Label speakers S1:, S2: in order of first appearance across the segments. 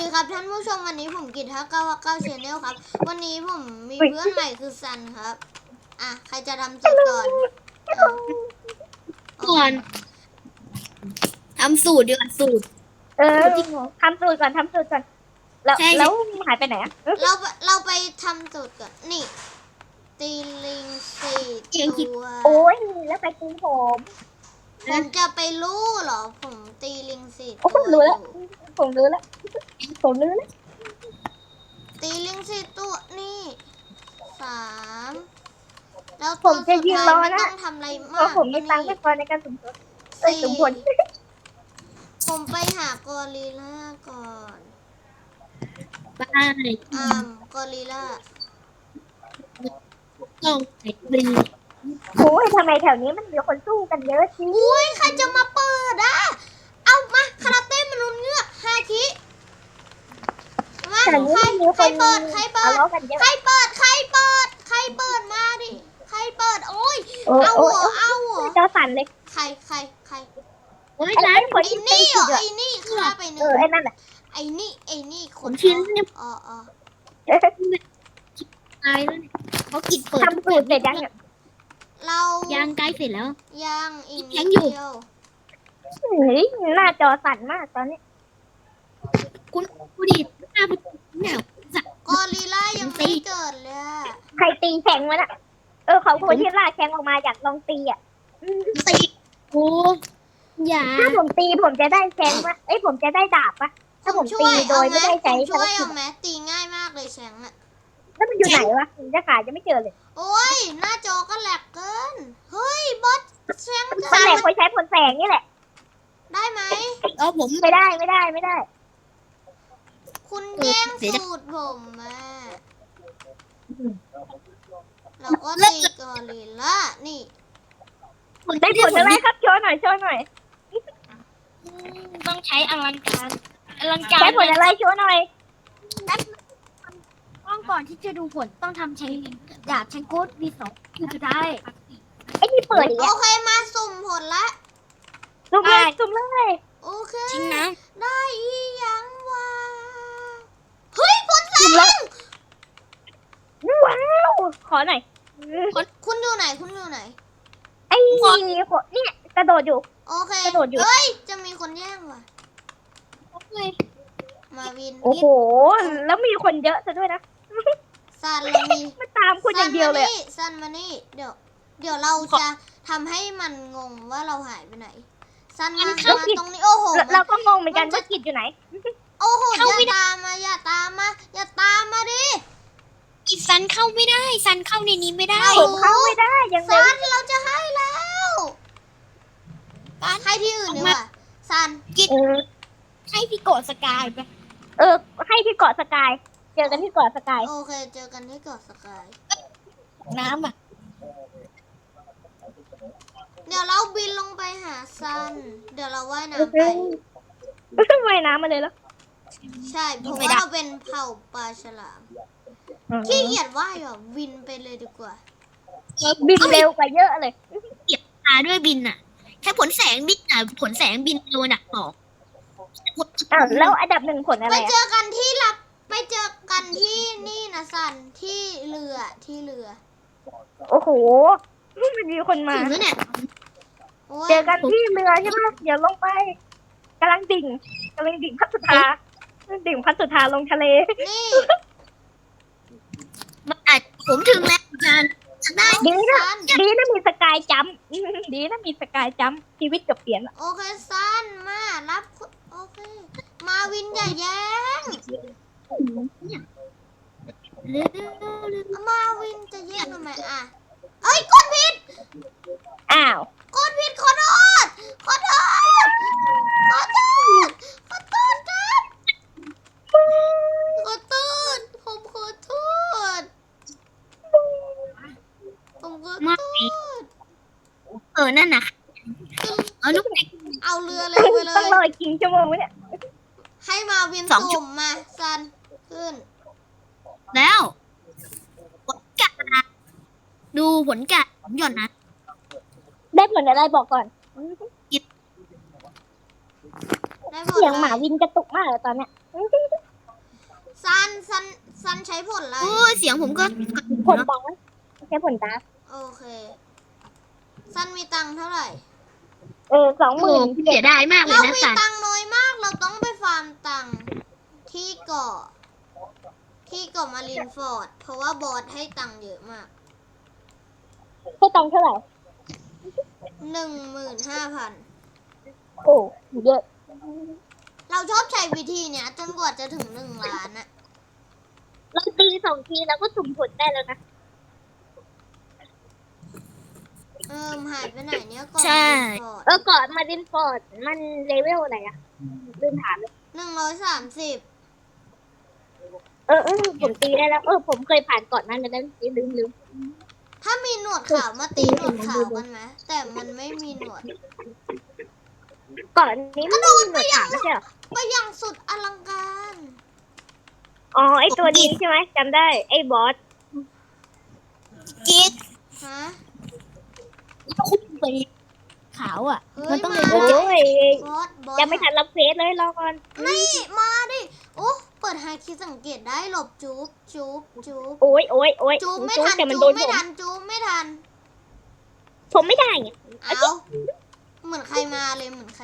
S1: ครับท่านผู้ชมวันนี้ผมกิต5959 Channel ครับวันนี้ผมมีเพื่อนใหม่คือซันครับใครจะทำจุดก่อน
S2: ก่อนทำสูตรดีกว่าสูตร
S3: ทำสูตรก่อนแล้วหายไปไหนอ่ะ
S1: เราไปทำจุดก่อนนี่ตีลิง4 ตัว
S3: โอ้ยแล้วไปตีผม
S1: ผมจะไปรู้เหรอผมตีลิง4
S3: โอ้
S1: ตัว
S3: รู้
S1: อ
S3: แล้ว
S1: ยู่
S3: ผมรู้แล้ว
S1: ตีลิง4 ตัวนี่3แล้ว
S3: ผ
S1: ตัว
S3: ม
S1: สุ
S3: จะ
S1: ด
S3: ยืน
S1: ท้าย
S3: รอ
S1: ไม่
S3: นะ
S1: ต้องทำอะไร
S3: เพ
S1: มาก
S3: ราะผมมีตังค์ไม่พอในการสุ่มผล
S1: ผมไปหากอริลล่าก่อน
S2: บ้าน
S1: กอริลล่า
S2: ต้องใส่ปลี
S3: โอ้ยทำไมแถวนี้มันมีคนสู้กันเยอะจริง
S1: อุ้ยใครจะมาเปิดเอามาคาราเต้มนุษย์เงือก5 คิมา
S3: แถวนี้
S1: ใคร
S3: มีคน
S1: เปิด
S3: ทะเลาะกันเยอะ
S1: ใครเปิดมาดิใครเปิดโอ้ยเอาเหรอ
S3: เจ้าสั่นเลย
S1: ใคร
S2: โอ้ย
S3: ไอ้
S2: ร้าน
S3: คน
S1: ไอ้
S3: ที่ตี
S1: นี่เหร
S3: ผิ
S1: อ
S3: ดอ่ะ
S1: ไอ้นี่ฆ่าไปหนึ่ง
S3: ไอ้นั่นแหละ
S1: ไอ้นี่ค
S2: ผ
S1: น
S2: มชิ้นเนี่ย
S1: อ๋อ
S2: ตายแล้วเนี่ยเขากินเปิด
S3: ทำสูตรเสร็จยังเนี่ย
S1: เรา
S2: ยางใกล้เสร็จแล้ว
S1: ยังอีกนิ
S2: ยั
S1: ด
S2: งอยู่
S1: เดียว
S3: เฮ้ยหน้าจอสั่นมากตอนนี้
S2: คุณผู้ดีหน้าประตูเนี่ยสัก
S1: กอริลล่ายังไม่เกิดเลยอะ
S3: ใครตีแข่งมันอ่ะเขาคนที่ล่าแข่งออกมาอยากลองตีอ่ะ
S2: ตีโอ้อย่า
S3: ถ้าผมตีผมจะได้แข่งปะผมจะได้ดาบปะถ้าผมตีโดยไม่ได้ใช้
S1: ผมช่วย
S3: ภารกิ
S1: เอา
S3: จ
S1: ไหมตีง่ายมากเลยแชงอะ
S3: แล้วมันอยู่ไหนวะผมจะขายจะไม่เจอเลย
S1: โอ้ยหน้าจอก็แหลกเกินเฮ้ยบอสแชง
S3: มันแหลกคนใช้ผลแสงนี่แหละ
S1: ได้ไหม
S2: ผม
S3: ไม่ได้
S1: คุณแย่งสูตรผมมาเราก็ตีกอริลล่านี่
S3: ได้ผลอะไรครับโชว์หน่อย
S2: ต้องใช้อลังการ
S3: ใช้ผลอะไรโชว์หน่อย
S2: ต้องก่อนที่จะดูผลต้องทำใช้ดาบใช้โค้ดมี2คือจะได้
S3: ไอ้ที่เปิดอีก
S1: โอ
S3: อ่ะ
S1: เคมาสุ่มผลละ
S3: สุ่มเลย
S1: โอเค
S2: จริงนะ
S1: ได้อีหยังวะเฮ้ยผลแสง
S3: ว้าวขอหน่อย
S1: คุณอยู่ไหน
S3: ไอ้เนี่ยกระโดดอยู่
S1: โอเค
S3: กระโดดอยู่
S1: เฮ้ยจะมีคนแย่งว่ะมาวิน
S3: โอ้โหแล้วมีคนเยอะซะด้วยนะ
S1: ซันเรามี
S3: มันตามคุณอย่างเดียวเลย
S1: ซันมานี่เดี๋ยวเราจะทำให้มันงงว่าเราหายไปไหนซันมาตรงนี้โอ้โห
S3: เราก็งงเหมือนกันว่ากิจอยู่ไหน
S1: โอ้โหอย่าตามมาดิ
S2: อีซันเข้าไม่ได้ซันเข้าในนี้ไม่ได้
S3: ผมเข้าไม่ได้ยังไง
S1: ซันเราจะให้แล้วให้ที่อื่นดีกว่าซัน
S2: ให้พี่โกดสกายไป
S3: ให้ที่เกาะสกาย เจอกันที่เกาะสกาย
S1: โอเคเจอกันที่เกาะสกาย
S2: น้ำอ่ะ
S1: เดี๋ยวเราบินลงไปหาซันเดี๋ยวเราว่ายน้ำไป
S3: ไม่ต้องว่ายน้ำมาเลยแล้ว
S1: ใช่เพราะว่าเราเป็นเผ่าปลาฉลามขี้เกียจว่ายหรอบินไปเลยดีกว่า
S3: บินเร็วกว่าเยอะเลย
S2: ตาด้วยบินอ่ะแค่ผลแสงบินอ่ะผลแสงบินโดนอ่ะต่อ
S3: แล้วอันดับ1ผลอะไร
S1: ไปเจอกันที่นี่นะซันที่เรือ
S3: โอ้โหมันมีคนมา
S2: ถึงแล้วเนี่ย
S1: โอ้ย
S3: เจอกันที่เรือใช่ไหมเดี๋ยวลงไปกำลังดิ่งพัดสุธาลงทะเล
S1: นี่
S2: ผมถึงแล้วอาจารย์ได้
S3: ดีนะ
S1: ซัน
S3: มีสกายจัมป์ดีนะมีสกายจัมป์ชีวิตเกือบเปลี่ยนละ
S1: โอเคซันมารับโอเคมาวินอย่าแย้ง
S2: เร็ว
S1: มาวินจะแย่งทำไมเอ้ยกดผิด
S3: อ้าว
S1: ขอโทษครับขอโทษผมขอโทษ
S2: นั่นน่ะเอาลูกเด็ก
S1: เอาเรือเลยไปเล
S3: ต้อง
S1: ย
S3: รออีกกี่ชั่วโมงวะเนี่ย
S1: ให้มาวิน
S2: 2
S1: สุ่มมาซันขึ้น
S2: แล้วผลกะดูผลกะผมหย่อนนะ
S3: ได้ผลอะไรบอกก่อน
S1: ได้หมด
S3: เสียง
S1: เล
S3: หมาวินกระตุกมากเลยตอนเนี้ย
S1: ซันใช้ผลอะไร
S2: โอ้ยเสียงผมก็
S3: ผลดังไม่ใช่ผลดัง
S1: โอเค ซันมีตังค์เท่าไหร่
S2: โอ้เสียดายมากเลย
S1: เรา
S2: นะ
S1: มี
S2: สัน
S1: ตังค์น้อยมาก เราต้องไปฟาร์มตังค์ที่เกาะมารินฟอร์ด เพราะว่าบอสให้ตังค์เยอะมาก
S3: ให้ตังค์เท่าไหร่
S1: 15,000
S3: โอ้เยอะ
S1: เราชอบใช้วิธีเนี้ยจนกว่าจะถึง1 ล้านอะ
S3: เราตี2 ทีแล้วก็สุ่มผลได้แล้วนะ
S1: หายไปไหนเนี่ยเกาะ
S2: ใช่
S1: มารินฟอร์ด
S3: ก่อนมารินฟอร์ดมันเลเวลอะไรอะลืมถามเลย
S1: 130
S3: ผมตีได้แล้ว ผมเคยผ่านก่อนนั้นแล้วลืม
S1: ถ้ามีหนวดขาวมาตีหนวดขาวกันไหมแต่มันไม่มีหนวด
S3: ก่อนนี้มันไม่มีหนวดขาวไม่ใช่เหรอ
S1: ไปอย่างสุดอลังการ
S3: อ๋อไอตัวนี้ใช่ไหมจำได้ไอบอส
S2: กิ๊ก
S1: ฮะ
S2: คุณไปขาวอ่ะ
S1: เฮ้ย
S2: มันต้อง
S1: มา
S2: เรียน
S3: โอ้
S2: รู้จัก
S3: ย
S1: บอส
S3: ยังไม่ทันรับเควสเลยรอก่อน
S1: นี่มาดิ โอ้เปิดไฮคิดสังเกตได้หลบจุ๊บ
S3: โอ้ย
S1: จุ๊บไม่
S3: จุ๊บ
S1: ทัน
S3: แต่มัน
S1: จุ๊
S3: โด
S1: บ
S3: น
S1: ไม่
S3: ผม
S1: ทันจุ๊บไม่ทัน
S3: ผมไม่ได้ไง
S1: เอาเหมือนใครมาเลย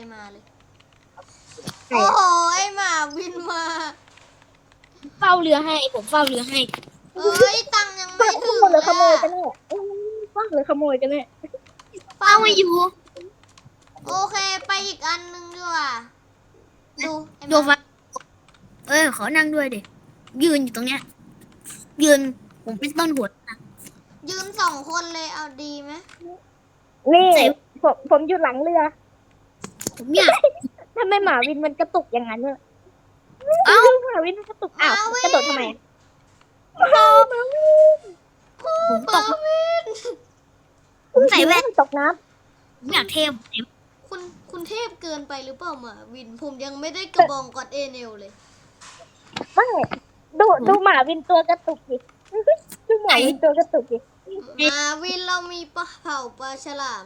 S1: โอ้โหไอหมาบินมา
S2: เฝ้าเรือให้ผมเฝ้าเรือให้
S1: เอ้ย ตังค์ยังไม่ถึง
S3: หรือขโมย
S1: เล
S3: กัน
S1: ย
S3: แน่ว่าหรือขโมยกันแน่
S2: เฝ้าไม่อยู่
S1: โอเค ไปอีกอันนึงดีกว่า ดูไอ้ห
S2: ดู
S1: มา
S2: ฟ้าขอนั่งด้วยดิยืนอยู่ตรงเนี้ย ยืนผมเป็นต้นหัวนะ
S1: ยืน2 คนเลยเอาดีไหม
S3: นี่ผมอยู่หลังเรือ
S2: ผมอยาก
S3: ทำไมหมาวินมันกระตุกอย่างนั้นเนี่ย
S2: เอ้า
S3: หมาวินมันกระตุกอ้าวกระโดดทำไม
S2: ผมตกผมใส่แว่น
S3: ตกน้
S2: ผมอยากเทม
S1: คุณเทพเกินไปหรือเปล่าหมาวิน ผมยังไม่ได้กระบองกอดเอเนลเลย
S3: ำไม่ดูหมาวินตัวกระตุกดิดูหมาวินตัวกระตุกดิ
S1: หมาวินเรามีปลาเผาปลาฉลาม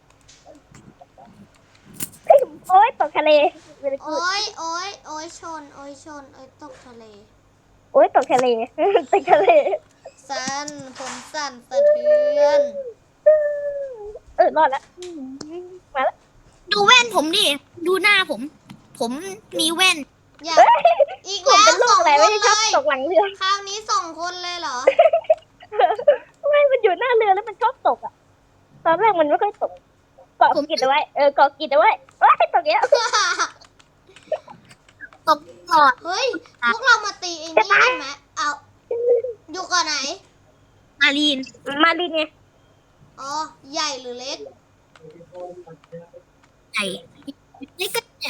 S3: โอ๊ยตกทะเลเวลา
S1: โอ้ยโอ้ยโอ้ยชน โอ้ยตกทะเล
S3: โอ๊ยตกทะเลตกทะเล
S1: สั่นผมสั่นสะเทือน
S3: รอดแล้วมาแล้ว
S2: ดูแว่นผมดิดูหน้าผม ผมมีแว่น
S1: อยากอีก
S3: ผม
S1: แล้ว
S3: เป็นลู
S1: ส
S3: ก
S1: อง
S3: อะไร
S1: ค
S3: ไม่
S1: น
S3: ได้ช
S1: เล
S3: อบ
S1: ย
S3: ตกหลังเรือ
S1: คราวนี้2 คนเลยเหรอ
S3: ไม่มันอยู่หน้าเรือแล้วมันชอบตกอ่ะตอนแรกมันไม่ค่อยตกเกาะกิดเอาไว้เกาะกิดเอาไว้ว้ายตกเนี้ย
S2: ตกก่อน
S1: เฮ้ย พวกเรามาตีไอ้นี่กันไหมเอาอยู่ก่อนไหน
S2: มารีน
S3: มาดินไง
S1: อ๋อ ใหญ่หรือเล็ก
S2: ใหญ่นี่ก็เนี่ย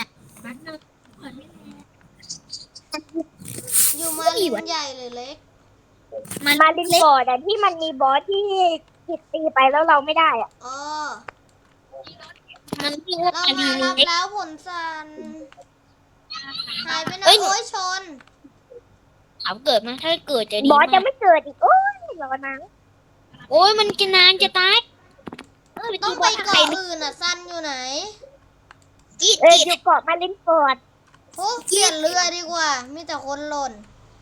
S1: อยู่มาลินใหญ่หรือเล็ก
S3: มาดินฟอร์ดอะที่มันมีบอสที่กิดตีไปแล้วเราไม่ได้อ่ะ
S1: อ๋อ
S2: มันเรียกว่า
S1: เรา
S2: มารี
S1: มาน รับ
S2: เล็ก
S1: แล้วผลสันหายไปไหน
S2: เอ้ย
S1: โอ้ยชน
S2: ถามเกิดมาถ้าเกิดจะดี
S3: บอสจะ
S2: มาก
S3: ไม่เกิดอีกโอ้ยรอนัง
S2: โอ้ยมันจะนานจะตาย
S1: ต้องไปเกาะอื่นอ่ะซันอยู่ไหน
S2: กีด
S3: อยู่เกาะมาดินฟอร์ด
S1: โอ้เปลี่ยนเรือดีกว่า มีแต่คนหล่น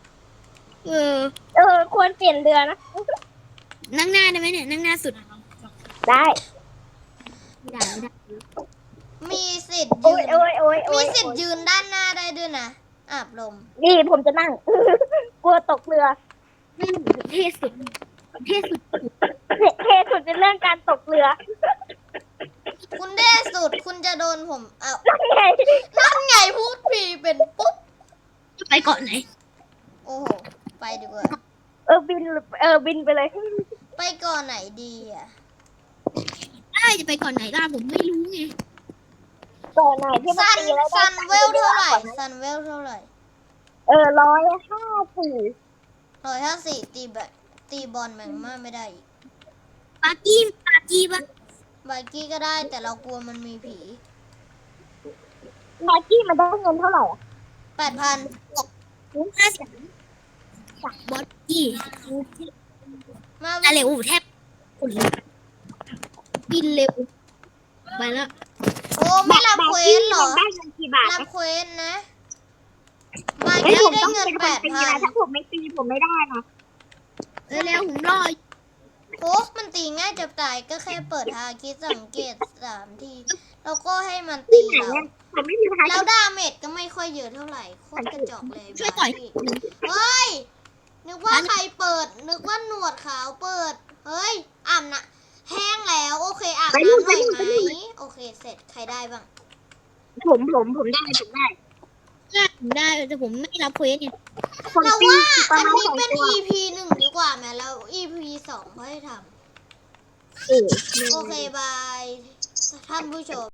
S3: ควรเปลี่ยนเรือนะ
S2: นั่งหน้าได้ไหมเนี่ยนั่งหน้าสุด
S3: ได้
S2: ไม่ได้
S1: มีสิทธิ์
S3: โอ้
S1: ยื
S3: ย
S1: น
S3: โอ้ยโอ้ยโอ้
S1: มี
S3: ย
S1: สิทธิ์ยืนด้านหน้าได้ด้วยนะ อาบลม
S3: นี่ผมจะนั่ง กลัวตกเรือ
S2: เท่สุดเท่สุด
S3: เทสุดเป็นเรื่องการตกเรือ
S1: คุณเด้สุด คุณจะโดนผมเอา
S3: นั่นไง
S1: นั่นไงพูดผีเป็นปุ๊บ
S2: จะไปเกาะไหน
S1: โอ้โห ไปดีกว่า
S3: บินไปเลย
S1: ไปก่อนไหนดีอ่ะ
S2: ได้จะไปเกาะไหนล่ะผมไม่รู้ไง
S3: ก่อนไหนที่มัน
S1: ซัน
S3: ตีแล้วได้
S1: ซันเวลเท่าไหร่ ซันเวลเท่าไหร่
S3: 154
S1: ตีแบบตีบอลแมงม่าไม่ได้อีก
S2: ปากี้ปะ
S1: ไบกี้ก็ได้แต่เรากลัวมันมีผี
S3: มากี้มันได้เงินเท่าไหร่อะ
S1: 8,000
S2: 50บอสกี้
S1: มา
S2: อะไรโอ้แทบคนเลยบินเร็วไปแล้ว
S1: โอ้ไม่รับเควสเหรอ
S3: ได้เงินกี่บาท
S1: รับ
S3: นะ
S1: เควสนะไบ
S3: นี้
S1: พี่
S3: ผม
S1: ได้
S3: ต้อง
S1: เงิน
S3: เป็นคนตีนะ
S1: 8,000
S3: ถ้าผมไม่ตีผมไม่ได้นะ
S2: เร็วๆผมรอ
S1: โอ้มันตีง่ายจะตายก็แค่เปิดฮาคิดสังเกต3 ทีแล้วก็ให้มัน
S3: ที่
S1: ตี
S3: ไหน
S1: เรา
S3: เนี่ยผมไม่มีทาง
S1: แล้วดาเมจก็ไม่ค่อยเยอะเท่าไหร่โคตรกระจอกเลย
S2: ช่วยต่อย
S1: บาร์บี้เฮ้ย นึกว่าใครเปิด นึกว่าหนวดขาวเปิด เฮ้ยอาบน้ำแห้งแล้วโอเคอาบน้ำหน่อยไหมโอเคเสร็จใครได้บ้าง
S3: ผมได้ผมได้
S2: ผมได้แต่ผมไม่รับเควสเนี่ย
S3: ผม
S1: เรา
S3: ตี
S1: ว่า
S3: ประ
S1: อัน
S3: มาณ
S1: นี้
S3: 2
S1: เป็น
S3: ตัว
S1: EP 1 ดีกว่าไหมแล้ว EP 2ค่อยทำ
S3: เออ
S1: โอเคบายท่านผู้ชม